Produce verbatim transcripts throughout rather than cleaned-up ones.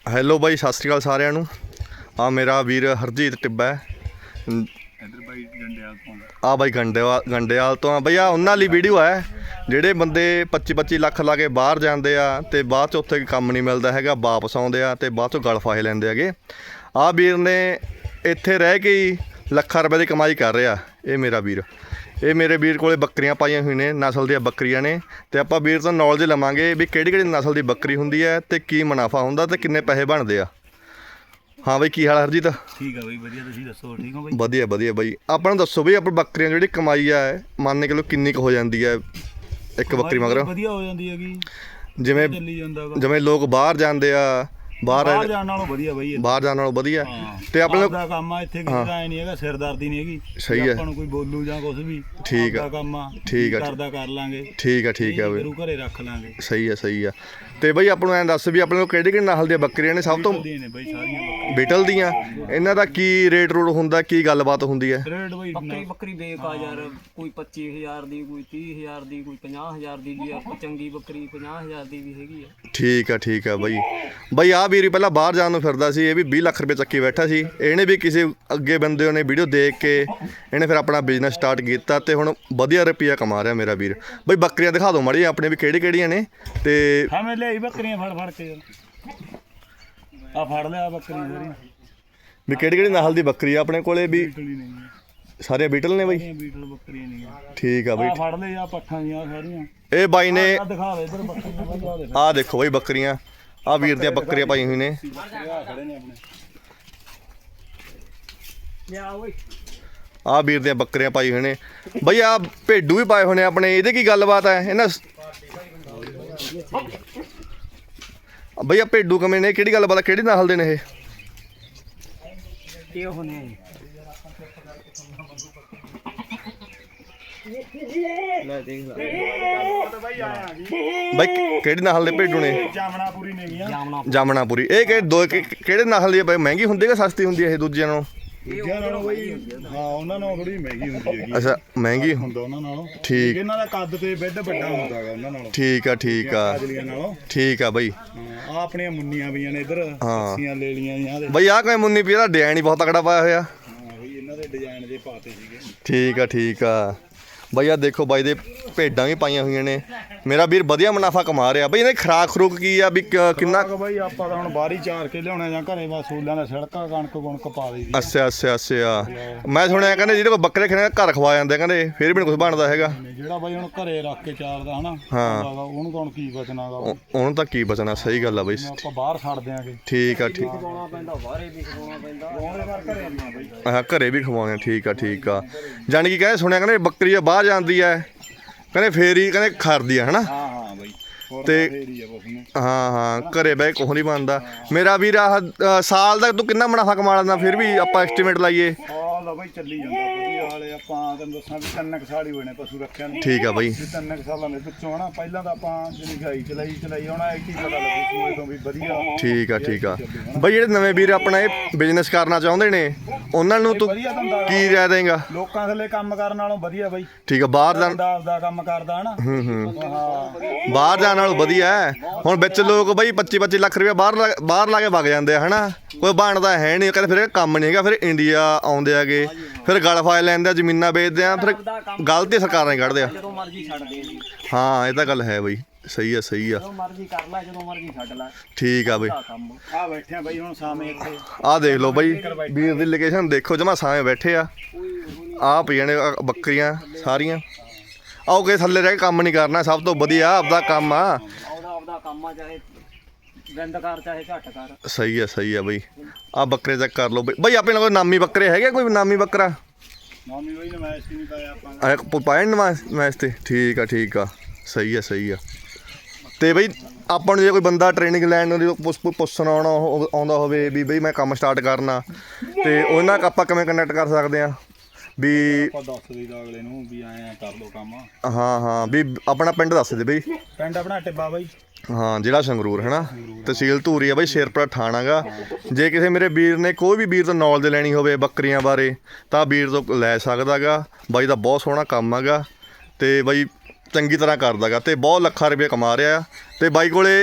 Hello ਬਾਈ, ਸਤਿ ਸ਼੍ਰੀ ਅਕਾਲ ਸਾਰਿਆਂ ਨੂੰ। ਆ ਮੇਰਾ ਵੀਰ ਹਰਜੀਤ ਟਿੱਬਾ ਹੈ। ਆ ਬਾਈ ਗੰਡੇਵਾਲ ਗੰਡੇਵਾਲ ਤੋਂ ਆ ਬਈ। ਆ ਉਹਨਾਂ ਲਈ ਵੀਡੀਓ ਹੈ ਜਿਹੜੇ ਬੰਦੇ ਪੱਚੀ ਪੱਚੀ ਲੱਖ ਲਾ ਕੇ ਬਾਹਰ ਜਾਂਦੇ ਆ ਅਤੇ ਬਾਅਦ 'ਚ ਉੱਥੇ ਕੰਮ ਨਹੀਂ ਮਿਲਦਾ ਹੈਗਾ, ਵਾਪਸ ਆਉਂਦੇ ਆ ਅਤੇ ਬਾਅਦ 'ਚੋਂ ਗਲ ਫਾਹੇ ਲੈਂਦੇ ਹੈਗੇ। ਆਹ ਵੀਰ ਨੇ ਇੱਥੇ ਰਹਿ ਕੇ ਹੀ ਲੱਖਾਂ ਰੁਪਏ ਦੀ ਕਮਾਈ ਕਰ ਰਿਹਾ। ਇਹ ਮੇਰਾ ਵੀਰ ਇਹ ਮੇਰੇ ਵੀਰ ਕੋਲ ਬੱਕਰੀਆਂ ਪਾਈਆਂ ਹੋਈਆਂ ਨੇ, ਨਸਲ ਦੀਆਂ ਬੱਕਰੀਆਂ ਨੇ, ਅਤੇ ਆਪਾਂ ਵੀਰ ਤੋਂ ਨੌਲੇਜ ਲਵਾਂਗੇ ਵੀ ਕਿਹੜੀ ਕਿਹੜੀ ਨਸਲ ਦੀ ਬੱਕਰੀ ਹੁੰਦੀ ਹੈ ਅਤੇ ਕੀ ਮੁਨਾਫਾ ਹੁੰਦਾ ਅਤੇ ਕਿੰਨੇ ਪੈਸੇ ਬਣਦੇ ਆ। ਹਾਂ ਬਈ, ਕੀ ਹਾਲ ਹਰਜੀਤ? ਠੀਕ ਆ ਬਈ, ਵਧੀਆ। ਤੁਸੀਂ ਦੱਸੋ, ਠੀਕ ਹੋ ਬਈ? ਵਧੀਆ ਵਧੀਆ ਬਈ। ਆਪਾਂ ਨੂੰ ਦੱਸੋ ਬਈ, ਆਪਾਂ ਬੱਕਰੀਆਂ ਜਿਹੜੀ ਕਮਾਈ ਆ ਮੰਨ ਕੇ ਲਓ ਕਿੰਨੀ ਕੁ ਹੋ ਜਾਂਦੀ ਹੈ ਇੱਕ ਬੱਕਰੀ ਮਗਰ? ਵਧੀਆ ਹੋ ਜਾਂਦੀ ਹੈਗੀ, ਜਿਵੇਂ ਚੱਲੀ ਜਾਂਦਾ ਵਾ। ਜਿਵੇਂ ਲੋਕ ਬਾਹਰ ਜਾਂਦੇ ਆ, ਬਾਹਰ ਬਾਹਰ ਜਾਣ ਨਾਲੋਂ ਵਧੀਆ ਬਈ, ਬਾਹਰ ਜਾਣ ਨਾਲੋਂ ਵਧੀਆ। ਤੇ ਆਪਣੇ ਆਪਣਾ ਕੰਮ ਆ, ਇੱਥੇ ਕਿਸੇ ਦਾ ਐ ਨਹੀਂ ਹੈਗਾ, ਸਿਰਦਰਦੀ ਨਹੀਂ ਹੈਗੀ। ਸਹੀ ਹੈ, ਆਪਾਂ ਨੂੰ ਕੋਈ ਬੋਲੂ ਜਾਂ ਕੁਝ ਵੀ, ਠੀਕ ਆ ਕੰਮ ਆ, ਠੀਕ ਆ, ਕਰਦਾ ਕਰ ਲਾਂਗੇ। ਠੀਕ ਆ ਠੀਕ ਆ ਬਈ, ਘਰੇ ਰੱਖ ਲਾਂਗੇ। ਸਹੀ ਆ ਸਹੀ ਆ। ਤੇ ਬਈ ਆਪਾਂ ਨੂੰ ਐਂ ਦੱਸ ਵੀ ਆਪਣੇ ਕੋਲ ਕਿਹੜੀ ਕਿਹੜੀ ਨਸਲ ਦੀਆਂ ਬੱਕਰੀਆਂ ਨੇ? ਸਭ ਤੋਂ ਨੇ ਬਈ ਸਾਰੀਆਂ ਬੱਕਰੀਆਂ ਬੀਟਲ ਦੀਆਂ। ਇਹਨਾਂ ਦਾ ਕੀ ਰੇਟ ਰੂਟ ਹੁੰਦਾ, ਕੀ ਗੱਲਬਾਤ ਹੁੰਦੀ ਹੈ? ਰੇਟ ਬਈ ਬੱਕਰੀ ਬੱਕਰੀ ਬੇਕਾ ਯਾਰ, ਕੋਈ ਪੱਚੀ ਹਜ਼ਾਰ ਦੀ, ਕੋਈ ਤੀਹ ਹਜ਼ਾਰ ਦੀ, ਕੋਈ ਪੰਜਾਹ ਹਜ਼ਾਰ ਦੀ ਵੀ ਆ। ਚੰਗੀ ਬੱਕਰੀ ਪੰਜਾਹ ਹਜ਼ਾਰ ਦੀ ਵੀ ਹੈਗੀ ਆ। ਠੀਕ ਆ ਠੀਕ ਆ ਬਈ। ਬਈ ਆਹ ਵੀਰ ਪਹਿਲਾਂ ਬਾਹਰ ਜਾਣ ਨੂੰ ਫਿਰਦਾ ਸੀ, ਇਹ ਵੀ ਵੀਹ ਲੱਖ ਰੁਪਏ ਚੱਕੀ ਬੈਠਾ ਸੀ। ਇਹਨੇ ਵੀ ਕਿਸੇ ਅੱਗੇ ਬੰਦੇ ਨੇ ਵੀਡੀਓ ਦੇਖ ਕੇ ਇਹਨੇ ਫਿਰ ਆਪਣਾ ਬਿਜ਼ਨਸ ਸਟਾਰਟ ਕੀਤਾ ਅਤੇ ਹੁਣ ਵਧੀਆ ਰੁਪਈਆ ਕਮਾ ਰਿਹਾ ਮੇਰਾ ਵੀਰ। ਬਈ ਬੱਕਰੀਆਂ ਦਿਖਾ ਦਿਓ ਮਾੜੀ ਆਪਣੇ ਵੀ ਕਿਹੜੀ ਕਿਹੜੀਆਂ ਨੇ। ਅਤੇ ਹਾਂ ਮੈਂ ਲਿਆਈ ਬੱਕਰੀਆਂ ਫੜ ਫੜ ਕੇ, ਆ ਫੜ ਲਿਆ ਬੱਕਰੀ ਸਾਰੀ ਵੀ ਕਿਹੜੀ ਕਿਹੜੀ ਨਸਲ ਦੀ ਬੱਕਰੀ ਆ ਆਪਣੇ ਕੋਲੇ? ਵੀ ਬੀਟਲ ਨਹੀਂ, ਸਾਰੇ ਬੀਟਲ ਨੇ ਬਈ? ਬੀਟਲ ਬੱਕਰੀਆਂ ਨਹੀਂ। ਠੀਕ ਆ ਬਈ। ਆ ਫੜ ਲੈ, ਆ ਪੱਠਾਂ ਦੀਆਂ ਸਾਰੀਆਂ। ਇਹ ਬਾਈ ਨੇ ਆ ਦਿਖਾ ਦੇ ਇਧਰ ਬੱਕਰੀਆਂ, ਆਹ ਦੇਖੋ ਬਈ ਬੱਕਰੀਆਂ, ਆਹ ਵੀਰ ਦੀਆਂ ਬੱਕਰੀਆਂ ਪਾਈ ਹੋਈ ਨੇ। ਆ ਖੜੇ ਨੇ ਆਪਣੇ। ਲਿਆ ਓਏ, ਆਹ ਵੀਰ ਦੀਆਂ ਬੱਕਰੀਆਂ ਪਾਈ ਹੋਏ ਨੇ ਬਈ। ਆਹ ਭੇਡੂ ਵੀ ਪਾਏ ਹੋਏ ਨੇ ਆਪਣੇ, ਇਹਦੇ ਕੀ ਗੱਲਬਾਤ ਹੈ ਇਹਨਾਂ? ਬਈ ਆ ਭੇਡੂ ਕਿਵੇਂ ਨੇ, ਕਿਹੜੀ ਗੱਲਬਾਤ ਹੈ, ਕਿਹੜੀ ਨਸਲ ਦੇ ਨੇ ਇਹ? ਇਹ ਹੋਣੇ ਲੈ ਦੇਖ ਲੈ ਬਈ ਕਿਹੜੀ ਨਸਲ ਦੇ ਭੇਡੂ ਨੇ? ਜਾਮਣਾਪੁਰੀ ਨੇ ਗੀਆਂ। ਜਾਮਣਾ ਜਾਮਣਾਪੁਰੀ। ਇਹ ਕਿ ਦੋ ਕਿ- ਕਿਹੜੇ ਨਸਲ ਦੀ ਬਈ? ਮਹਿੰਗੀ ਹੁੰਦੀ ਕਿ ਸਸਤੀ ਹੁੰਦੀ ਹੈ ਇਹ ਦੂਜਿਆਂ ਨਾਲੋਂ? ਦੂਜਿਆਂ ਨਾਲੋਂ ਬਈ ਹਾਂ, ਉਹਨਾਂ ਨਾਲੋਂ ਥੋੜੀ ਮਹਿੰਗੀ ਹੁੰਦੀ ਹੈਗੀ। ਅੱਛਾ, ਮਹਿੰਗੀ ਹੁੰਦਾ ਉਹਨਾਂ ਨਾਲੋਂ। ਠੀਕ। ਇਹਨਾਂ ਦਾ ਕੱਦ ਤੇ ਬੈੱਡ ਵੱਡਾ ਹੁੰਦਾ ਹੈਗਾ ਉਹਨਾਂ ਨਾਲੋਂ, ਠੀਕ ਆ ਠੀਕ ਆ ਕਾਜਲੀਆਂ ਨਾਲੋਂ। ਠੀਕ ਆ ਬਈ। ਆ ਆਪਣੀਆਂ ਮੁੰਨੀਆਂ ਪਈਆਂ ਨੇ ਇੱਧਰ, ਕੱਸੀਆਂ ਲੈ ਲੀਆਂ ਦੀਆਂ ਦੇ। ਬਈ ਆਹ ਕੋਈ ਮੁੰਨੀ ਪੀਰਾ ਡਿਜ਼ਾਈਨ ਹੀ ਬਹੁਤ ਤਕੜਾ ਪਾਇਆ ਹੋਇਆ। ਹਾਂ ਬਈ, ਇਹਨਾਂ ਦੇ ਡਿਜ਼ਾਈਨ ਜੇ ਪਾਤੇ ਸੀਗੇ। ਠੀਕ ਆ ਠੀਕ ਆ ਬਈ। ਆ ਦੇਖੋ ਬਾਈ ਦੇ ਭੇਡਾਂ ਵੀ ਪਾਈਆਂ ਹੋਈਆਂ ਨੇ। ਮੇਰਾ ਵੀਰ ਵਧੀਆ ਮੁਨਾਫਾ ਕਮਾ ਰਿਹਾ ਬਈ। ਇਹਨੇ ਖਰਾਕ ਖਰੂਕ ਕੀ ਆ ਵੀ ਕ- ਕਿੰਨਾ? ਬਈ ਆਪਾਂ ਤਾਂ ਹੁਣ ਬਾਹਰੀ ਚਾਰ ਕੇ ਲਿਆਉਣਾ ਜਾਂ ਘਰੇ ਬਸ ਸੂਲਾਂ ਦਾ ਛਿੜਕਾ ਕਣਕ ਕੁਣਕ ਪਾ ਦਈਦੀ। ਅੱਛਾ ਅੱਛਾ ਅੱਛਾ। ਮੈਂ ਸੁਣਿਆ ਕਹਿੰਦੇ ਜਿਹੜੇ ਕੋਲ ਬੱਕਰੇ ਖਣੇ ਘਰ ਖਵਾ ਜਾਂਦੇ, ਕਹਿੰਦੇ ਫਿਰ ਵੀ ਨਹੀਂ ਕੁਝ ਬਣਦਾ ਹੈਗਾ। ਜਿਹੜਾ ਬਾਈ ਹੁਣ ਘਰੇ ਰੱਖ ਕੇ ਚਾਰਦਾ ਹਨਾ, ਹਾਂ। ਉਹਨੂੰ ਤਾਂ ਹੁਣ ਕੀ ਬਚਣਾਗਾ। ਉਹ- ਉਹਨੂੰ ਤਾਂ ਕੀ ਬਚਣਾ, ਸਹੀ ਗੱਲ ਆ ਬਈ। ਆਪਾਂ ਬਾਹਰ ਛੱਡ ਦਿਆਂਗੇ। ਠੀਕ ਆ ਠੀਕ ਖਵਾਉਣਾ ਪੈਂਦਾ, ਬਾਹਰੇ ਵੀ ਖਵਾਉਣਾ ਪੈਂਦਾ। ਉਹਦੇ ਵਾਰ ਘਰੇ ਆਉਣਾ ਬਈ। ਹਾਂ, ਘਰੇ ਵੀ ਖਵਾਉਣੇ। ਠੀਕ ਆ ਠੀਕ ਆ। ਜਾਣੀ ਕਿ ਕਹਿੰਦੇ ਸੁਣਿਆ ਕਹਿੰਦੇ ਬੱਕਰੀ ਆ ਬਾਹਰ ਜਾਂਦੀ ਹੈ, ਕਹਿੰਦੇ ਫੇਰ ਹੀ ਕਹਿੰਦੇ ਖਰਦੀ ਆ ਹਨਾ। ਹਾਂ ਹਾਂ ਬਈ, ਤੇ ਫੇਰੀ ਆ ਬਸ ਨੇ। ਹਾਂ ਹਾਂ, ਘਰੇ ਬਹਿ ਕੁਛ ਨਹੀਂ ਬਣਦਾ ਮੇਰਾ ਵੀਰ। ਆਹ ਅ, ਸਾਲ ਦਾ ਤੂੰ ਕਿੰਨਾ ਮੁਨਾਫਾ ਕਮਾ ਲੈਂਦਾ ਫਿਰ ਵੀ ਆਪਾਂ ਐਸਟੀਮੇਟ ਲਾਈਏ? ਆਹ ਲਓ ਬਈ, ਚੱਲੀ ਜਾਂਦਾ ਵਧੀਆ ਵਾਲੇ। ਆਪਾਂ ਤੈਨੂੰ ਦੱਸਾਂ ਵੀ ਤਿੰਨ ਕੁ ਸਾਲ ਹੀ ਹੋਏ ਨੇ ਪਸ਼ੂ ਰੱਖਿਆ ਨੂੰ। ਠੀਕ ਆ ਬਈ। ਵੀ ਤਿੰਨ ਕੁ ਸਾਲਾਂ ਦੇ ਵਿੱਚੋਂ ਹਨਾ, ਪਹਿਲਾਂ ਤਾਂ ਆਪਾਂ ਜਿਹੜੀ ਗਾਈ ਚਲਾਈ ਚਲਾਈ ਹੋਣਾ, ਇੱਕ ਹੀ ਪਤਾ ਲੱਗੂ ਸੂਏ ਤੋਂ ਵੀ ਵਧੀਆ। ਠੀਕ ਆ ਠੀਕ ਆ ਬਈ। ਜਿਹੜੇ ਨਵੇਂ ਵੀਰ ਆਪਣਾ ਇਹ ਬਿਜ਼ਨਸ ਕਰਨਾ ਚਾਹੁੰਦੇ ਨੇ ਉਹਨਾਂ ਨੂੰ ਤੂੰ ਵਧੀਆ ਧੰਦਾ ਕੀ ਰਾਏ ਦੇਂਗਾ? ਲੋਕਾਂ ਥੱਲੇ ਕੰਮ ਕਰਨ ਨਾਲੋਂ ਵਧੀਆ ਬਈ। ਠੀਕ ਆ, ਬਾਹਰ ਜਾਣ ਬੰਦਾ ਆਪਦਾ ਕੰਮ ਕਰਦਾ ਹਨਾ। ਹੂੰ ਹੂੰ ਹਾਂ ਬਾਹਰ ਜਾਣ ਨਾਲੋਂ ਵਧੀਆ ਹੈ। ਹੁਣ ਵਿੱਚ ਲੋਕ ਬਈ ਪੱਚੀ ਪੱਚੀ ਲੱਖ ਰੁਪਏ ਬਾਹਰ ਲਾ- ਬਾਹਰ ਲਾ ਕੇ ਵਗ ਜਾਂਦੇ ਆ ਹਨਾ। ਕੋਈ ਬਣਦਾ ਹੈ ਨਹੀਂ, ਕਹਿੰਦੇ ਫਿਰ ਇਹ ਕੰਮ ਨਹੀਂ ਹੈਗਾ। ਫਿਰ ਇੰਡੀਆ ਆਉਂਦੇ ਹੈਗੇ, ਫਿਰ ਗਲ ਫਾਇਲ ਲੈਂਦੇ ਆ, ਜ਼ਮੀਨਾਂ ਵੇਚਦੇ ਆ, ਫਿਰ ਗਲਤੀ ਸਰਕਾਰਾਂ ਹੀ ਕੱਢਦੇ ਆ। ਜਦੋਂ ਮਰਜ਼ੀ ਛੱਡ ਦੇ ਜੀ, ਹਾਂ ਇਹ ਤਾਂ ਗੱਲ ਹੈ ਬਈ। ਸਹੀ ਆ ਸਹੀ ਆ। ਜਦੋਂ ਮਰਜ਼ੀ ਕਰ ਲੈ, ਜਦੋਂ ਮਰਜ਼ੀ ਛੱਡ ਲੈ। ਠੀਕ ਆ ਬਈ। ਆ ਕੰਮ ਆ ਬੈਠੇ ਆ ਬਈ ਹੁਣ ਸਾਹਮਣੇ ਇੱਥੇ। ਆਹ ਦੇਖ ਲਓ ਬਈ ਵੀਰ ਦੀ ਲੋਕੇਸ਼ਨ ਦੇਖੋ, ਜਮਾ ਸਾਵੇਂ ਬੈਠੇ ਆ। ਆਹ ਪਈਆਂ ਨੇ ਆਹ ਬੱਕਰੀਆਂ ਸਾਰੀਆਂ। ਆਓ ਕੇ ਥੱਲੇ ਰਹਿ ਕੇ ਕੰਮ ਨਹੀਂ ਕਰਨਾ, ਸਭ ਤੋਂ ਵਧੀਆ ਆਪਦਾ ਕੰਮ ਆ। ਉਹਦਾ ਆਪਦਾ ਕੰਮ ਆ, ਚਾਹੇ ਗੰਦ ਕਰ ਚਾਹੇ ਘੱਟ ਕਰ। ਸਹੀ ਆ ਸਹੀ ਆ ਬਈ। ਆਹ ਬੱਕਰੇ ਚੈੱਕ ਕਰ ਲਓ ਬਈ। ਬਈ ਆਪਣੇ ਕੋਲ ਨਾਮੀ ਬੱਕਰੇ ਹੈਗੇ? ਕੋਈ ਨਾਮੀ ਬੱਕਰਾ ਮਾਮੀ ਬਈ ਨੇ ਮੈਚ ਨਹੀਂ ਪਾਇਆ ਆਪਾਂ। ਆਹ ਪਾਇਆ ਨੀ ਮੈਚ ਤੇ? ਠੀਕ ਆ ਠੀਕ ਆ, ਸਹੀ ਆ ਸਹੀ ਆ। ਤੇ ਬਈ ਆਪਾਂ ਨੂੰ ਜੇ ਕੋਈ ਬੰਦਾ ਟ੍ਰੇਨਿੰਗ ਲੈਣ ਨੂੰ ਪੁੱਛ ਪੁੱਛਣ ਆਉਣਾ ਹੋ- ਆਉਂਦਾ ਹੋਵੇ ਵੀ ਬਈ ਮੈਂ ਕੰਮ ਸਟਾਰਟ ਕਰਨਾ, ਤੇ ਉਹਨਾਂ ਨਾਲ ਆਪਾਂ ਕਿਵੇਂ ਕਨੈਕਟ ਕਰ ਸਕਦੇ ਆ? ਵੀ ਆਪਾਂ ਦੱਸ ਦਈਦਾ ਅਗਲੇ ਨੂੰ ਵੀ ਐਂ ਕਰ ਲਓ ਕੰਮ। ਹਾਂ ਹਾਂ, ਵੀ ਆਪਣਾ ਪਿੰਡ ਦੱਸ ਦੇ ਬਈ। ਪਿੰਡ ਆਪਣਾ ਟਿੱਬਾ ਬਾਈ। ਹਾਂ, ਜ਼ਿਲ੍ਹਾ ਸੰਗਰੂਰ ਹੈ ਨਾ, ਤਹਿਸੀਲ ਧੂਰੀ ਆ ਬਈ, ਸ਼ੇਰਪੁਰਾ ਥਾਣਾ ਗਾ। ਜੇ ਕਿਸੇ ਮੇਰੇ ਵੀਰ ਨੇ ਕੋਈ ਵੀ ਵੀਰ ਤੋਂ ਨੌਲੇਜ ਲੈਣੀ ਹੋਵੇ ਬੱਕਰੀਆਂ ਬਾਰੇ ਤਾਂ ਵੀਰ ਤੋਂ ਲੈ ਸਕਦਾ ਗਾ। ਬਾਈ ਦਾ ਬਹੁਤ ਸੋਹਣਾ ਕੰਮ ਹੈਗਾ ਅਤੇ ਬਾਈ ਚੰਗੀ ਤਰ੍ਹਾਂ ਕਰਦਾ ਗਾ ਅਤੇ ਬਹੁਤ ਲੱਖਾਂ ਰੁਪਏ ਕਮਾ ਰਿਹਾ। ਅਤੇ ਬਾਈ ਕੋਲੇ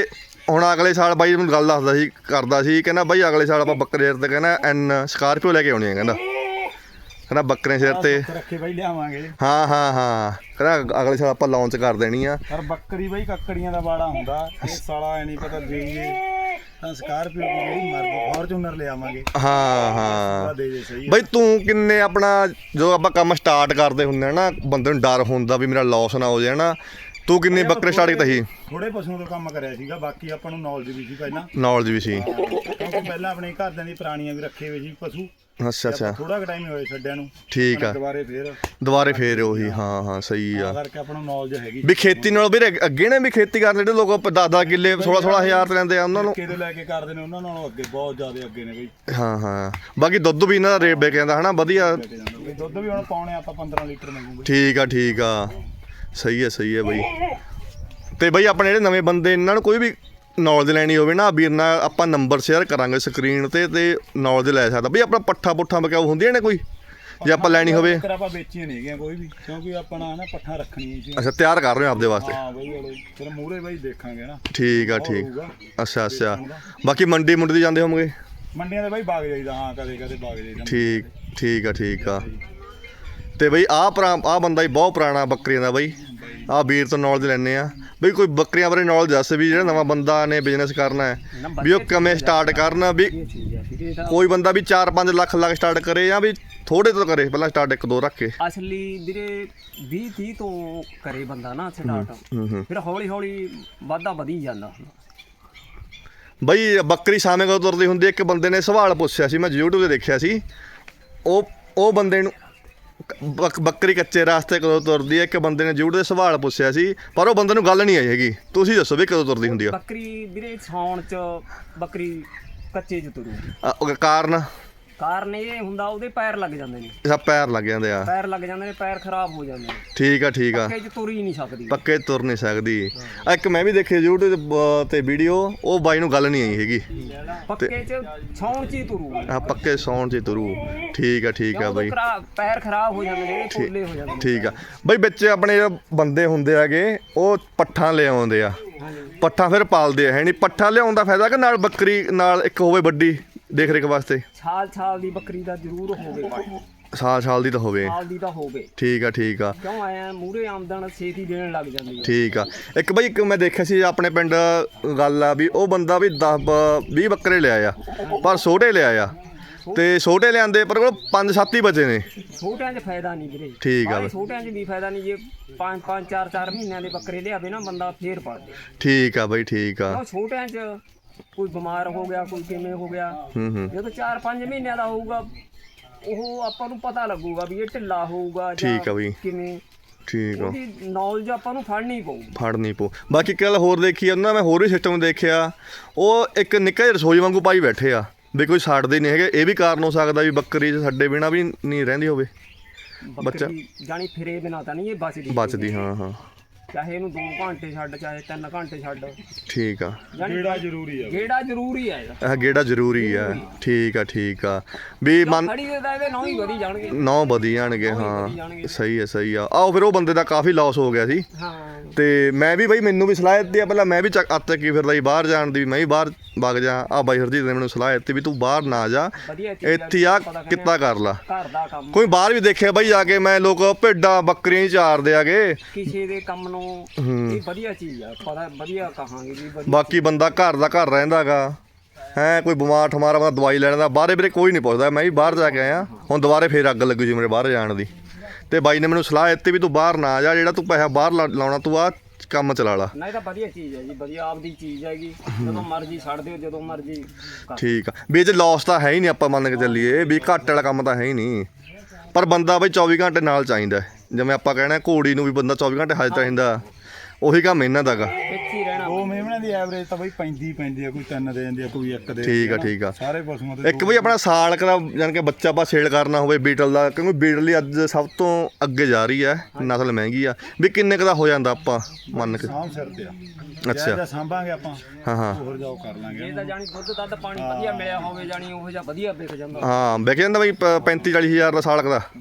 ਹੁਣ ਅਗਲੇ ਸਾਲ ਬਾਈ ਮੈਨੂੰ ਗੱਲ ਦੱਸਦਾ ਸੀ ਕਰਦਾ ਸੀ ਕਹਿੰਦਾ ਬਾਈ ਅਗਲੇ ਸਾਲ ਆਪਾਂ ਬੱਕਰੇ ਸਿਰ ਤੇ ਕਹਿੰਦਾ ਐਨ ਸਕਾਰਪੀਓ ਲੈ ਕੇ ਆਉਣੀ ਹੈ ਕਹਿੰਦਾ ਕਹਿੰਦਾ ਬੱਕਰੇ ਸਿਰ ਤੇ ਰੱਖੇ ਬਾਈ ਲਿਆਵਾਂਗੇ। ਹਾਂ ਹਾਂ ਹਾਂ ਕਹਿੰਦਾ ਅਗਲੇ ਸਾਲ ਆਪਾਂ ਲਾਂਚ ਕਰ ਦੇਣੀ ਆ। ਪਰ ਬੱਕਰੀ ਬਾਈ ਕੱਕੜੀਆਂ ਦਾ ਬਾੜਾ ਹੁੰਦਾ, ਇਹ ਸਾਲਾ ਐ ਨਹੀਂ ਪਤਾ ਦੇ ਜੇ ਤਾਂ ਸਕਾਰਪੀਓ ਦੀ ਜਿਹੜੀ ਮਰਜ਼ੀ ਫੋਰਚੂਨਰ ਲਿਆਵਾਂਗੇ। ਹਾਂ ਹਾਂ ਦੇ ਜੇ ਸਹੀ ਬਈ ਤੂੰ ਕਿੰਨੇ ਆਪਣਾ ਜੋ ਆਪਾਂ ਕੰਮ ਸਟਾਰਟ ਕਰਦੇ ਹੁੰਦੇ ਆ ਨਾ ਬੰਦੇ ਨੂੰ ਡਰ ਹੁੰਦਾ ਵੀ ਮੇਰਾ ਲਾਸ ਨਾ ਹੋ ਜਾਏ ਨਾ, ਤੂੰ ਕਿੰਨੇ ਬੱਕਰੇ ਸਟਾਰਟ ਕੀਤਾ ਸੀ? ਥੋੜੇ ਪਸ਼ੂਆਂ ਤੋਂ ਕੰਮ ਕਰਿਆ ਸੀਗਾ, ਬਾਕੀ ਆਪਾਂ ਨੂੰ ਨੌਲੇਜ ਵੀ ਸੀ ਪਹਿਲਾਂ, ਨੌਲੇਜ ਵੀ ਸੀ ਕਿਉਂਕਿ ਪਹਿਲਾਂ ਆਪਣੇ ਘਰਦਿਆਂ ਦੀ ਪੁਰਾਣੀਆਂ ਵੀ ਰੱਖੇ ਹੋਏ ਸੀ ਪਸ਼ੂ। ਅੱਛਾ ਅੱਛਾ ਥੋੜਾ ਕੁ ਟਾਈਮ ਹੋਇਆ ਛੱਡਿਆਂ ਨੂੰ, ਠੀਕ ਆ ਦੁਬਾਰੇ ਫੇਰ ਦੁਬਾਰੇ ਫੇਰ ਉਹੀ ਹਾਂ ਹਾਂ ਸਹੀ ਆ ਕਰਕੇ ਆਪਾਂ ਨੂੰ ਨੌਲੇਜ ਹੈਗੀ। ਵੀ ਖੇਤੀ ਨਾਲ ਵੀਰੇ ਅੱਗੇ ਨੇ ਵੀ ਖੇਤੀ ਕਰਨ ਜਿਹੜੇ ਲੋਕ ਦਸ ਦਸ ਕਿੱਲੇ ਸੋਲਾਂ ਸੋਲਾਂ ਹਜ਼ਾਰ ਤੇ ਲੈਂਦੇ ਆ ਉਹਨਾਂ ਨੂੰ ਕਿਹਦੇ ਲੈ ਕੇ ਕਰਦੇ ਨੇ ਉਹਨਾਂ ਨਾਲੋਂ ਅੱਗੇ ਬਹੁਤ ਜ਼ਿਆਦਾ ਅੱਗੇ ਨੇ ਬਈ। ਹਾਂ ਹਾਂ ਬਾਕੀ ਦੁੱਧ ਵੀ ਇਹਨਾਂ ਦਾ ਰੇਟ ਵਿਕ ਜਾਂਦਾ ਹਨਾ ਵਧੀਆ। ਵੀ ਦੁੱਧ ਵੀ ਹੁਣ ਪਾਉਣੇ ਆਪਾਂ ਪੰਦਰਾਂ ਲੀਟਰ ਮੰਗੂਗੇ। ਠੀਕ ਆ ਠੀਕ ਆ ਸਹੀ ਹੈ ਸਹੀ ਹੈ ਬਈ। ਤੇ ਬਈ ਆਪਣੇ ਜਿਹੜੇ ਨਵੇਂ ਬੰਦੇ ਇਹਨਾਂ ਨੂੰ ਕੋਈ ਵੀ ਨੌਲੇਜ ਲੈਣੀ ਹੋਵੇ ਨਾ ਵੀਰ ਨਾਲ ਆਪਾਂ ਨੰਬਰ ਸ਼ੇਅਰ ਕਰਾਂਗੇ ਸਕਰੀਨ ਤੇ ਤੇ ਨੌਲੇਜ ਲੈ ਸਕਦਾ ਬਈ। ਆਪਣਾ ਪੱਠਾ ਪੁੱਠਾ ਬਕਾਉ ਹੁੰਦੀਆਂ ਨੇ ਕੋਈ ਜੇ ਆਪਾਂ ਲੈਣੀ ਹੋਵੇ? ਫਿਰ ਆਪਾਂ ਵੇਚੀਆਂ ਨਹੀਂ ਹੈਗੀਆਂ ਕੋਈ ਵੀ, ਕਿਉਂਕਿ ਆਪਣਾ ਨਾ ਪੱਠਾ ਰੱਖਣੀਆਂ ਸੀ। ਅੱਛਾ ਤਿਆਰ ਕਰ ਰਹੇ ਹੋ ਆਪਦੇ ਵਾਸਤੇ? ਹਾਂ ਬਈ ਹਲੇ ਫਿਰ ਮੂਹਰੇ ਬਾਈ ਦੇਖਾਂਗੇ ਨਾ। ਠੀਕ ਆ ਠੀਕ ਅੱਛਾ ਅੱਛਾ ਬਾਕੀ ਮੰਡੀ ਮੁੰਡੀ ਦੀ ਜਾਂਦੇ ਹੋਵੋਗੇ? ਮੰਡੀਆਂ ਦੇ ਬਾਈ ਬਾਗ ਜਾਈਦਾ, ਹਾਂ ਕਦੇ ਕਦੇ ਬਾਗ ਜਾਈਦਾ। ਠੀਕ ਠੀਕ ਆ ਠੀਕ ਆ। ਤੇ ਬਈ ਆਹ ਪੁਰਾ ਆਹ ਬੰਦਾ ਹੀ ਬਹੁਤ ਪੁਰਾਣਾ ਬੱਕਰੀਆਂ ਦਾ ਬਈ, ਆਹ ਵੀਰ ਤੋਂ ਨੌਲੇਜ ਲੈਂਦੇ ਆ ਬਈ। ਕੋਈ ਬੱਕਰੀਆਂ ਬਾਰੇ ਨੌਲੇਜ ਦੱਸ ਵੀ ਜਿਹੜਾ ਨਵਾਂ ਬੰਦਾ ਨੇ ਬਿਜ਼ਨਸ ਕਰਨਾ ਹੈ ਵੀ ਉਹ ਕਿਵੇਂ ਸਟਾਰਟ ਕਰਨਾ, ਵੀ ਕੋਈ ਬੰਦਾ ਵੀ ਚਾਰ ਪੰਜ ਲੱਖ ਲੱਖ ਸਟਾਰਟ ਕਰੇ ਜਾਂ ਵੀ ਥੋੜੇ ਤੋਂ ਕਰੇ ਪਹਿਲਾਂ ਸਟਾਰਟ ਇੱਕ ਦੋ ਰੱਖ ਕੇ? ਅਸਲੀ ਵੀਰੇ ਵੀਹ ਤੀਹ ਤੋਂ ਕਰੇ ਬੰਦਾ ਨਾ ਸਟਾਰਟ, ਹੂੰ ਹੂੰ ਫਿਰ ਹੌਲੀ ਹੌਲੀ ਵਾਧਾ ਵਧੀ ਜਾਂਦਾ। ਬਈ ਬੱਕਰੀ ਸਾਹਮਣੇ ਕਦੋਂ ਤੁਰਦੀ ਹੁੰਦੀ? ਇੱਕ ਬੰਦੇ ਨੇ ਸਵਾਲ ਪੁੱਛਿਆ ਸੀ, ਮੈਂ YouTube ਤੇ ਦੇਖਿਆ ਸੀ। ਉਹ ਉਹ ਬੰਦੇ ਨੂੰ ਬੱਕ- ਬੱਕਰੀ ਕੱਚੇ ਰਾਸਤੇ ਕਦੋਂ ਤੁਰਦੀ ਹੈ, ਇੱਕ ਬੰਦੇ ਨੇ YouTube ਤੇ ਸਵਾਲ ਪੁੱਛਿਆ ਸੀ ਪਰ ਉਹ ਬੰਦੇ ਨੂੰ ਗੱਲ ਨਹੀਂ ਆਈ ਹੈਗੀ। ਤੁਸੀਂ ਦੱਸੋ ਵੀ ਕਦੋਂ ਤੁਰਦੀ ਹੁੰਦੀ ਆ ਬੱਕਰੀ ਵੀਰੇ? ਸਾਉਣ ਚ ਬੱਕਰੀ ਕੱਚੇ ਚ ਤੁਰੂ। ਅ, ਉਹ ਕਾਰਨ? ਕਾਰਨ ਇਹ ਹੁੰਦਾ ਉਹਦੇ ਪੈਰ ਲੱਗ ਜਾਂਦੇ ਨੇ, ਇਹਦਾ ਪੈਰ ਲੱਗ ਜਾਂਦੇ ਆ। ਪੈਰ ਲੱਗ ਜਾਂਦੇ ਨੇ, ਪੈਰ ਖਰਾਬ ਹੋ ਜਾਂਦੇ ਨੇ, ਠੀਕ ਆ ਠੀਕ ਆ ਪੱਕੇ ਚ ਤੁਰ ਹੀ ਨਹੀਂ ਸਕਦੀ। ਪੱਕੇ ਤੁਰ ਨਹੀਂ ਸਕਦੀ। ਆ ਇੱਕ ਮੈਂ ਵੀ ਦੇਖੀ YouTube ਤੇ- ਤੇ ਵੀਡੀਓ, ਉਹ ਬਾਈ ਨੂੰ ਗੱਲ ਨਹੀਂ ਆਈ ਹੈਗੀ। ਪੱਕੇ ਚ ਸਾਉਣ ਚ ਹੀ ਤੁਰੂ। ਆ ਪੱਕੇ ਸੌਣ ਚ ਤੁਰੂ। ਠੀਕ ਆ ਠੀਕ ਆ ਬਈ ਪੈਰ ਖਰਾਬ ਹੋ ਜਾਂਦੇ ਨੇ, ਪੋਲੇ ਹੋ ਜਾਂਦੇ ਨੇ। ਠੀਕ ਆ ਬਈ। ਵਿੱਚ ਆਪਣੇ ਜਿਹੜੇ ਬੰਦੇ ਹੁੰਦੇ ਹੈਗੇ ਉਹ ਪੱਠਾਂ ਲੈ ਆਉਂਦੇ ਆ, ਪੱਠਾਂ ਫਿਰ ਪਾਲਦੇ ਆ ਹੈ ਨਹੀਂ? ਪੱਠਾ ਲਿਆਉਣ ਦਾ ਫਾਇਦਾ ਕਿ ਨਾਲ ਬੱਕਰੀ ਨਾਲ ਇੱਕ ਹੋਵੇ ਵੱਡੀ ਦੇਖ ਰੇਖ ਵਾਸਤੇ? ਸਾਲ ਸਾਲ ਦੀ ਬੱਕਰੀ ਦਾ ਜ਼ਰੂਰ ਹੋਵੇ, ਸਾਲ ਸਾਲ ਦੀ ਤਾਂ ਹੋਵੇ। ਸਾਲ ਦੀ ਤਾਂ ਹੋਵੇ। ਠੀਕ ਆ ਠੀਕ ਆ ਕਿਉਂ ਆਇਆ ਮੂਰੇ ਆਮਦਨ ਛੇਤੀ ਦੇਣ ਲੱਗ ਜਾਂਦੀ ਹੈ। ਠੀਕ ਆ। ਇੱਕ ਬਈ ਇੱਕ ਮੈਂ ਦੇਖਿਆ ਸੀ ਆਪਣੇ ਪਿੰਡ ਗੱਲ ਆ ਵੀ ਉਹ ਬੰਦਾ ਵੀ ਦਸ ਵੀਹ ਬੱਕਰੇ ਲਿਆ ਆ ਪਰ ਛੋਟੇ ਲਿਆ ਆ, ਤੇ ਛੋਟੇ ਲਿਆਂਦੇ ਪਰ ਕੋਲ ਪੰਜ ਸੱਤ ਹੀ ਬਚੇ ਨੇ। ਛੋਟਿਆਂ 'ਚ ਫਾਇਦਾ ਨਹੀਂ ਵੀਰੇ। ਠੀਕ ਆ। ਛੋਟਿਆਂ 'ਚ ਵੀ ਫਾਇਦਾ ਨਹੀਂ, ਜੇ ਪੰਜ ਪੰਜ ਚਾਰ ਚਾਰ ਮਹੀਨਿਆਂ ਦੇ ਬੱਕਰੇ ਲਿਆਵੇ ਨਾ ਬੰਦਾ ਫੇਰ ਪੜ ਦੇ। ਠੀਕ ਆ ਬਈ ਠੀਕ ਆ। ਕਿਉਂ ਛੋਟਿਆਂ 'ਚ ਕੋਈ ਬਿਮਾਰ ਹੋ ਗਿਆ, ਕੋਈ ਕਿਵੇਂ ਹੋ ਗਿਆ, ਹੂੰ ਹੂੰ ਜਦੋਂ ਚਾਰ ਪੰਜ ਮਹੀਨਿਆਂ ਦਾ ਹੋਊਗਾ ਉਹ ਆਪਾਂ ਨੂੰ ਪਤਾ ਲੱਗੂਗਾ ਵੀ ਇਹ ਢਿੱਲਾ ਹੋਊਗਾ ਜਾਂ ਠੀਕ ਆ ਬਈ ਕਿਵੇਂ। ਠੀਕ ਆ ਉਹਦੀ ਨੌਲੇਜ ਆਪਾਂ ਨੂੰ ਫੜਨੀ ਪਊ। ਫੜਨੀ ਪਊ। ਬਾਕੀ ਇੱਕ ਗੱਲ ਹੋਰ ਦੇਖੀ ਉਹਨਾਂ ਮੈਂ ਹੋਰ ਵੀ ਸਿਸਟਮ ਦੇਖਿਆ, ਉਹ ਇੱਕ ਨਿੱਕਾ ਜਿਹਾ ਰਸੋਈ ਵਾਂਗੂ ਪਾਈ ਬੈਠੇ ਆ ਵੀ ਕੋਈ ਛੱਡਦੇ ਨਹੀਂ ਹੈਗੇ। ਇਹ ਵੀ ਕਾਰਨ ਹੋ ਸਕਦਾ ਵੀ ਬੱਕਰੀ ਛੱਡੇ ਬਿਨਾ ਵੀ ਨਹੀਂ ਰਹਿੰਦੀ ਹੋਵੇ ਬੱਚਾ। ਜਾਣੀ ਫਿਰੇ ਬਿਨਾ ਤਾਂ ਨਹੀਂ ਇਹ ਬਚਦੀ ਬਚਦੀ। ਹਾਂ ਹਾਂ ਚਾਹੇ ਇਹਨੂੰ ਦੋ ਘੰਟੇ ਛੱਡ ਚਾਹੇ ਤਿੰਨ ਘੰਟੇ ਛੱਡ, ਠੀਕ ਆ। ਗੇੜਾ ਜ਼ਰੂਰੀ ਆ, ਗੇੜਾ ਜ਼ਰੂਰੀ ਆ ਇਹਦਾ। ਇਹ ਗੇੜਾ ਜ਼ਰੂਰੀ ਆ। ਠੀਕ ਆ ਠੀਕ ਆ ਵੀ ਮਨ ਖੜੀ ਦੇ ਤਾਂ ਇਹਦੇ ਨੌ ਹੀ ਵਧੀ ਜਾਣਗੇ। ਨੌ ਵਧੀ ਜਾਣਗੇ। ਹਾਂ ਸਹੀ ਹੈ ਸਹੀ ਆ। ਆਓ ਫਿਰ ਉਹ ਬੰਦੇ ਦਾ ਕਾਫੀ ਲਾਸ ਹੋ ਗਿਆ ਸੀ। ਹਾਂ ਤੇ ਮੈਂ ਵੀ ਬਈ ਮੈਨੂੰ ਵੀ ਸਲਾਹ ਦਿੱਤੀ ਆ ਪਹਿਲਾਂ, ਮੈਂ ਵੀ ਚੱਕ ਅੱਤ ਕੀ ਫਿਰਦਾ ਸੀ ਬਾਹਰ ਜਾਣ ਦੀ, ਮੈਂ ਵੀ ਬਾਹਰ ਵਗ ਜਾ। ਆ ਬਾਈ ਹਰਜੀਤ ਨੇ ਮੈਨੂੰ ਸਲਾਹ ਦਿੱਤੀ ਵੀ ਤੂੰ ਬਾਹਰ ਨਾ ਜਾ, ਵਧੀਆ ਚੀਜ਼ ਇੱਥੇ ਆ ਕਿੱਤਾ ਕਰ ਲਾ। ਘਰ ਦਾ ਕੰਮ ਕੋਈ ਬਾਹਰ ਵੀ ਦੇਖਿਆ ਬਈ ਜਾ ਕੇ ਮੈਂ ਲੋਕ ਭੇਡਾਂ ਬੱਕਰੀਆਂ ਹੀ ਚਾਰਦੇ ਆਗੇ। ਕਿਸੇ ਦੇ ਕੰਮ ਨੂੰ ਇਹ ਵਧੀਆ ਚੀਜ਼ ਆ, ਪਤਾ ਵਧੀਆ ਕਹਾਂਗੇ ਵੀ ਵਧੀਆ। ਬਾਕੀ ਬੰਦਾ ਘਰ ਦਾ ਘਰ ਰਹਿੰਦਾ ਗਾ ਹੈ, ਕੋਈ ਬਿਮਾਰ ਠਮਾਰਾ ਬੰਦਾ ਦਵਾਈ ਲੈਣ ਦਾ ਬਾਹਰੇ ਵੀਰੇ ਕੋਈ ਨਹੀਂ ਪੁੱਛਦਾ। ਮੈਂ ਵੀ ਬਾਹਰ ਜਾ ਕੇ ਆਇਆ, ਹੁਣ ਦੁਬਾਰੇ ਫੇਰ ਅੱਗ ਲੱਗੀ ਸੀ ਮੇਰੇ ਬਾਹਰ ਜਾਣ ਦੀ। ਤੇ ਬਾਈ ਨੇ ਮੈਨੂੰ ਸਲਾਹ ਦਿੱਤੀ ਵੀ ਤੂੰ ਬਾਹਰ ਨਾ ਜਾ, ਜਿਹੜਾ ਤੂੰ ਪੈਸਾ ਬਾਹਰ ਲਾ- ਲਾਉਣਾ ਤੂੰ ਆ ਕੰਮ ਚਲਾ ਲਾ। ਨਹੀਂ ਤਾਂ ਵਧੀਆ ਚੀਜ਼ ਹੈ ਜੀ, ਵਧੀਆ ਆਪਦੀ ਚੀਜ਼ ਹੈਗੀ, ਜਦੋਂ ਮਰਜ਼ੀ ਛੱਡ ਦਿਓ, ਜਦੋਂ ਮਰਜ਼ੀ ਕਰ। ਠੀਕ ਆ ਵੀ ਇਹ 'ਚ ਲੋਸ ਤਾਂ ਹੈ ਹੀ ਨਹੀਂ, ਆਪਾਂ ਮੰਨ ਕੇ ਚੱਲੀਏ ਵੀ ਘਾਟੇ ਵਾਲਾ ਕੰਮ ਤਾਂ ਹੈ ਹੀ ਨਹੀਂ। ਪਰ ਬੰਦਾ ਬਈ ਚੌਵੀ ਘੰਟੇ ਨਾਲ ਚਾਹੀਦਾ, ਜਿਵੇਂ ਆਪਾਂ ਕਹਿਣਾ ਘੋੜੀ ਨੂੰ ਵੀ ਬੰਦਾ ਚੌਵੀ ਘੰਟੇ ਹਾਜ਼ਰ ਚਾਹੀਦਾ, ਉਹੀ ਕੰਮ ਇਹਨਾਂ ਦਾ ਗਾ। ਇੱਥੇ ਹੀ ਰਹਿਣਾ। ਦੋ ਮੇਮਣਿਆਂ ਦੀ ਐਵਰੇਜ ਤਾਂ ਬਈ ਪੈਂਦੀ ਪੈਂਦੀ ਆ, ਕੋਈ ਤਿੰਨ ਦੇ ਜਾਂਦੀ ਆ, ਕੋਈ ਇੱਕ ਦੇ। ਠੀਕ ਆ ਠੀਕ ਆ। ਸਾਰੇ ਪਸ਼ੂਆਂ ਦੇ ਇੱਕ ਬਈ ਆਪਣਾ ਸਾਲ ਕਦਾ ਜਾਨ ਕੇ ਬੱਚਾ ਆਪਾਂ ਸੇਲ ਕਰਨਾ ਹੋਵੇ ਬੀਟਲ ਦਾ, ਕਿਉਂਕਿ ਬੀਟਲ ਹੀ ਅੱਜ ਸਭ ਤੋਂ ਅੱਗੇ ਜਾ ਰਹੀ ਹੈ, ਨਸਲ ਮਹਿੰਗੀ ਆ, ਵੀ ਕਿੰਨੇ ਕੁ ਦਾ ਹੋ ਜਾਂਦਾ ਆਪਾਂ ਮੰਨ ਕੇ? ਸਾਂਭ ਸਿਰ ਤੇ ਆ। ਅੱਛਾ ਜੇ ਸਾਂਭਾਂਗੇ ਆਪਾਂ ਹਾਂ ਹਾਂ ਹੋਰ ਜਾਓ ਕਰ ਲਾਂਗੇ। ਇਹ ਤਾਂ ਜਾਣੀ ਦੁੱਧ ਦੱਧ ਪਾਣੀ ਵਧੀਆ ਮਿਲਿਆ ਹੋਵੇ, ਜਾਣੀ ਉਹ ਜਿਹਾ ਵਧੀਆ ਵਿਕ ਜਾਂਦਾ। ਹਾਂ ਵਿਕ ਜਾਂਦਾ ਬਈ ਪੈਂਤੀ ਚਾਲੀ ਹਜ਼ਾਰ ਦਾ ਸਾਲ ਦਾ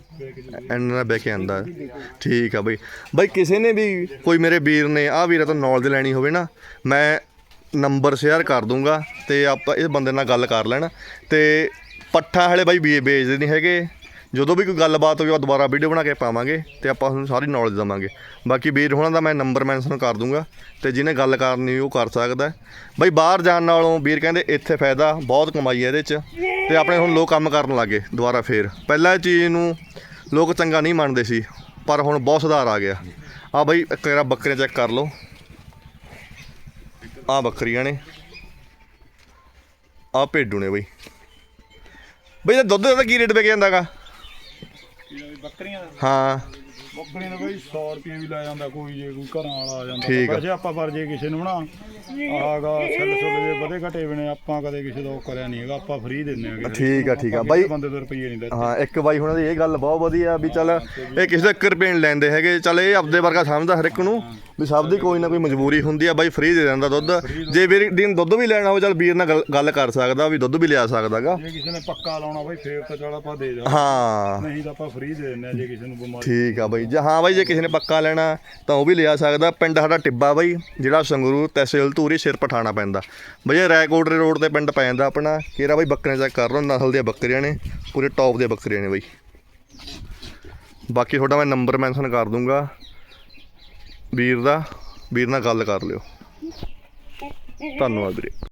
ਇੰਨਾ ਵਿਕ ਜਾਂਦਾ। ਠੀਕ ਆ ਬਈ। ਬਈ ਕਿਸੇ ਨੇ ਵੀ ਕੋਈ ਮੇਰੇ ਵੀਰ ਨੇ ਆਹ ਵੀਰਾਂ ਤੋਂ ਨੌਲੇਜ ਲੈਣੀ ਹੋਵੇ ਨਾ, ਮੈਂ ਨੰਬਰ ਸ਼ੇਅਰ ਕਰ ਦੂੰਗਾ ਤੇ ਆਪਾਂ ਇਸ ਬੰਦੇ ਨਾਲ ਗੱਲ ਕਰ ਲੈਣ। ਤੇ ਪੱਠਾ ਹਲੇ ਬਾਈ ਵੇ ਵੇਚਦੇ ਨਹੀਂ ਹੈਗੇ, ਜਦੋਂ ਵੀ ਕੋਈ ਗੱਲਬਾਤ ਹੋਈ ਉਹ ਦੁਬਾਰਾ ਵੀਡੀਓ ਬਣਾ ਕੇ ਪਾਵਾਂਗੇ ਤੇ ਆਪਾਂ ਤੁਹਾਨੂੰ ਸਾਰੀ ਨੌਲੇਜ ਦੇਵਾਂਗੇ। ਬਾਕੀ ਵੀਰ ਹੋਣਾ ਦਾ ਮੈਂ ਨੰਬਰ ਮੈਂਸ਼ਨ ਕਰ ਦੂੰਗਾ ਤੇ ਜਿਹਨੇ ਗੱਲ ਕਰਨੀ ਉਹ ਕਰ ਸਕਦਾ ਬਾਈ। ਬਾਹਰ ਜਾਣ ਨਾਲੋਂ ਵੀਰ ਕਹਿੰਦੇ ਇੱਥੇ ਫਾਇਦਾ ਬਹੁਤ, ਕਮਾਈ ਹੈ ਇਹਦੇ 'ਚ। ਤੇ ਆਪਣੇ ਹੁਣ ਲੋਕ ਕੰਮ ਕਰਨ ਲੱਗੇ ਦੁਬਾਰਾ ਫੇਰ। ਪਹਿਲਾਂ ਇਹ ਚੀਜ਼ ਨੂੰ ਲੋਕ ਚੰਗਾ ਨਹੀਂ ਮੰਨਦੇ ਸੀ, ਪਰ ਹੁਣ ਬਹੁਤ ਸੁਧਾਰ ਆ ਗਿਆ। ਆ ਬਾਈ ਇੱਕ ਵਾਰ ਬੱਕਰੀਆਂ ਚੈੱਕ ਕਰ ਲਓ, ਆ ਬੱਕਰੀਆਂ ਨੇ, ਆ ਭੇਡੂ ਨੇ ਬਾਈ। ਬਈ ਇਹ ਦੁੱਧ ਦਾ ਕੀ ਰੇਟ ਵਿਕ ਜਾਂਦਾ ਗਾ? ਬੱਕਰੀਆਂ ਦਾ ਹਾਂ ਬੱਕਰੀਆਂ ਦਾ ਬਈ ਸੌ ਰੁਪਏ ਵੀ ਲੈ ਜਾਂਦਾ ਕੋਈ, ਜੇ ਕੋਈ ਘਰਾਂ ਵਾਲਾ ਆ ਜਾਂਦਾ। ਠੀਕ ਆ। ਵੈਸੇ ਆਪਾਂ ਪਰ ਜੇ ਕਿਸੇ ਨੂੰ ਨਾ ਆਗਾ ਛੱਲ ਛੁੱਲ ਜੇ ਵਧੇ ਘਟੇ ਵੀ ਨੇ, ਆਪਾਂ ਕਦੇ ਕਿਸੇ ਦਾ ਉਹ ਕਰਿਆ ਨਹੀਂ ਹੈਗਾ, ਆਪਾਂ ਫ੍ਰੀ ਦਿੰਦੇ ਆਗੇ। ਠੀਕ ਆ ਠੀਕ ਆ ਬਾਈ। ਬੰਦੇ ਤੋਂ ਰੁਪਈਏ ਨਹੀਂ ਦਿੰਦੇ। ਹਾਂ ਇੱਕ ਬਾਈ ਹੁਣਾਂ ਦੀ ਇਹ ਗੱਲ ਬਹੁਤ ਵਧੀਆ ਵੀ ਚੱਲ ਇਹ ਕਿਸੇ ਦਾ ਇੱਕ ਰੁਪਏ ਨਹੀਂ ਲੈਂਦੇ ਹੈਗੇ। ਚੱਲ ਇਹ ਆਪਦੇ ਵਰਗਾ ਸਮਝਦਾ ਹਰ ਇੱਕ ਨੂੰ ਵੀ ਸਭ ਦੀ ਕੋਈ ਨਾ ਕੋਈ ਮਜਬੂਰੀ ਹੁੰਦੀ ਆ। ਬਾਈ ਫ੍ਰੀ ਦੇ ਦਿੰਦਾ ਦੁੱਧ। ਜੇ ਵੀਰ ਦਿਨ ਦੁੱਧ ਵੀ ਲੈਣਾ ਹੋਵੇ ਚੱਲ ਵੀਰ ਨਾਲ ਗੱਲ- ਗੱਲ ਕਰ ਸਕਦਾ ਵੀ ਦੁੱਧ ਵੀ ਲਿਆ ਸਕਦਾ ਗਾ। ਜੇ ਕਿਸੇ ਨੇ ਪੱਕਾ ਲਾਉਣਾ ਬਾਈ ਫੇਰ ਤਾਂ ਚੱਲ ਆਪਾਂ ਦੇ ਜਾ, ਹਾਂ ਨਹੀਂ ਤਾਂ ਆਪਾਂ ਫ੍ਰੀ ਦੇ ਦਿੰਦੇ ਆ ਜੇ ਕਿਸੇ ਨੂੰ ਬਿਮਾਰੀ। ਠੀਕ ਆ ਬਾਈ। ਜੇ ਹਾਂ ਬਾਈ ਜੇ ਕਿਸੇ ਨੇ ਪੱਕਾ ਲੈਣਾ ਤਾਂ ਉਹ ਵੀ ਲਿਆ ਸਕਦਾ। ਪਿੰਡ ਸਾਡਾ ਟਿੱਬਾ ਬਾਈ, ਜਿਹੜਾ ਸੰਗਰੂਰ ਤਹਿਸੀਲ ਧੂਰੀ ਸਿਰ ਪਠਾਣਾ ਪੈਂਦਾ ਬਈ। ਇਹ ਰੈਕੋਟ ਰੋਡ ਤੇ ਪਿੰਡ ਪੈ ਜਾਂਦਾ ਆਪਣਾ। ਕਿਹੜਾ ਬਾਈ ਬੱਕਰੀਆਂ ਚੈੱਕ ਕਰ ਲਓ, ਨਸਲ ਦੀਆਂ ਬੱਕਰੀਆਂ ਨੇ, ਪੂਰੇ ਟੌਪ ਦੀਆਂ ਬੱਕਰੀਆਂ ਨੇ ਬਾਈ। ਬਾਕੀ ਤੁਹਾਡਾ ਮੈਂ ਨੰਬਰ ਮੈਂਸ਼ਨ ਕਰ ਦੂੰਗਾ ਵੀਰ ਦਾ, ਵੀਰ ਨਾਲ ਗੱਲ ਕਰ ਲਿਓ। ਧੰਨਵਾਦ ਵੀਰੇ।